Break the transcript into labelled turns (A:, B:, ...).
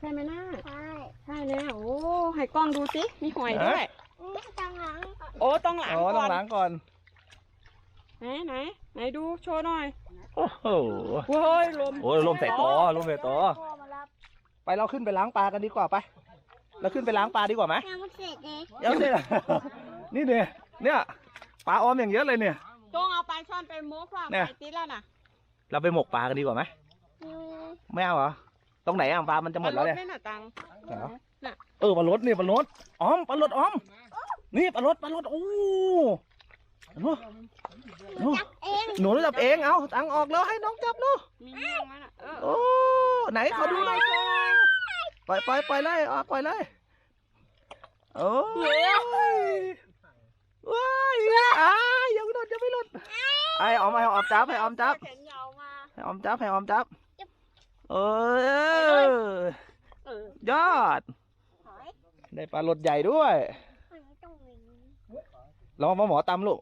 A: ช่ไหมน้า
B: ใช่
A: ใช่แล้วโอ้ให้กล้องดูสิมีหอยด้วย
B: ตังหลัง
A: โอ้ต้องหลัง
C: อ๋อ
A: ก่
C: ต้
A: อ
C: อง
A: น
C: ล้างก่อน
A: ไหนดูโชว์หน่อย
C: โอ้โห
A: โว้ยลม
C: โอ้ยลมใส่ตอลมใส่ตอ
B: พ่อมารับ
C: ไปเราขึ้นไปล้างปลากันดีกว่าไปเราขึ้นไปล้างปลาดีกว่าไหม
B: ยังไม่เสร็จเลย
C: เดี๋ยวสินี่เนี่ยปลาออมอย่างเยอะเลยเนี่ย
A: จงเอาปลาช่อนไปโม้ว่า
C: เนี่ย
A: ไปติดแล้วน่ะ
C: เราไปหมกปลากันดีกว่าไหมไม่เอาเหรอตรงไหนอ่ะปลามันจะหมดแล้วเนี่ย
A: ไม่น่ะตัง
C: เหรอ
A: น่ะ
C: ปลารสนี่ปลารสออมปลารสออมนี่ปลารสโอ้หนู
B: จับเอง
C: หนูจับเองเอาตังออกแล้วให้น้องจับลูก
A: มีเงี้ยงมั้ยน่ะ
C: โอ้ไหนขอดูหน่อยปล่อยเลยปล่อยเลยโอ้ยว้ายยังไม่หลุดไอ้ออมจับให้ออมจับ
A: แขนยาวมา
C: ให้ออมจับเออยอดได้ปลาลดใหญ่ด้วยลองมาหมอตำลูก